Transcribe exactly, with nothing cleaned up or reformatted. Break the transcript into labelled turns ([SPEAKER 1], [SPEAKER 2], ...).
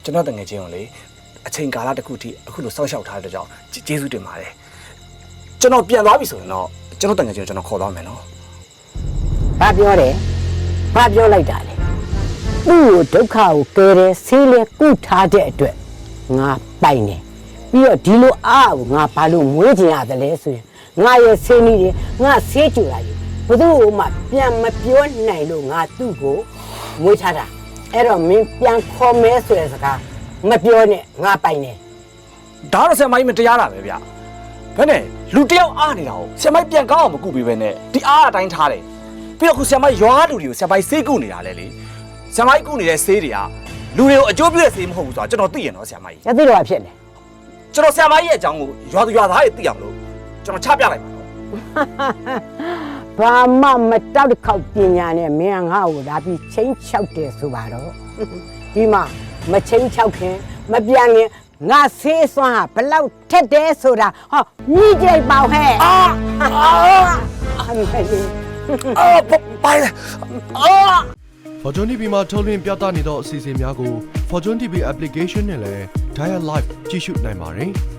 [SPEAKER 1] ကျွန်တော်တငယ်ချင်းကိုလေအချိန်ကာလတစ်ခုထိအခုလိုစောက်ရှောက်ထားတဲ့ကြောင့်ကျေးဇူးတင်ပါတယ်ကျွန်တော်ပြန်သွားပြီဆိုရင်တော့ကျွန်တော်တငယ်ချင်းကိုကျွန်တော်ခေါ်သွားမယ်နော်
[SPEAKER 2] ဘာပြောတယ်ဘာပြောလိုက်တာလဲသူ့ကိုဒုက္ခကိုကယ်တယ်ဆေးလဲကုထားတဲ့အတွက်ငါပိုင်တယ်ပြီးတော့ဒီလိုအားကိုငါဘာလို့မွေးချင်ရတယ်လဲဆိုရင်ငါရဲ့ဆေးနည်းတွေငါဆေးကြူလာပြီဘသူ့ကိုမှပြန်မပြောနိုင်လို့ငါသူ့ကိုမွေးထားတာအဲ့တော့မင်းပြန်ခေါ်မဲဆိုတဲ့စကားမပြောနဲ့ငါပိုင်တယ်
[SPEAKER 1] ဒါတော့ဆရာမကြီးမတရားတာပဲဗျဘယ်နဲ့လူတယောက်အားနေတာကိုဆရာမကြီးပြန်ကောင်းအောင်မကုပေးပဲနဲ့ဒီအားအတိုင်းထားတယ်ပြီးတော့ခုဆရာမကြီးရွာလူတွေကိုဆရာမကြီးဆေးကုနေတာလေလေဆရာမကြီးကုနေတဲ့ဆေးတွေကလူတွေကိုအကျိုးပြုတဲ့ဆေးမဟုတ်ဘူးဆိုတာကျွန်တော်သိရင်တော့ဆရာမကြီး
[SPEAKER 2] ရသိတော့ဖြစ်တယ်
[SPEAKER 1] ကျွန်တော်ဆရာမကြီးရဲ့အကြောင်းကိုရွာသူရွာသားတွေသိအောင်လို့ကျွန်တော်ချပြလိုက်ပါတော့
[SPEAKER 2] ဘာမှမတောက်တစ်ခေါက်ပညာနဲ့မင်းငါ့ကိုဒါပြီးချင်းချောက်တယ်ဆိုပါတော့ဒီမှာမချင်းချောက်ခင်မပြန်ခင်ငါဆေးစွမ်းဟာဘလောက်ထက်တယ်ဆိုတာဟောမြည်ကြိုက်ပါဟဲ့အာအမေ
[SPEAKER 1] အာပိုင်အာ
[SPEAKER 3] Fortune တီ ဗီ မှာထုတ်လွှင့်ပြသနေသောအစီအစဉ်များကို Fortune တီ ဗီ application နဲ့လည်း Dial Live ကြည့်ရှုနိုင်ပါတယ်။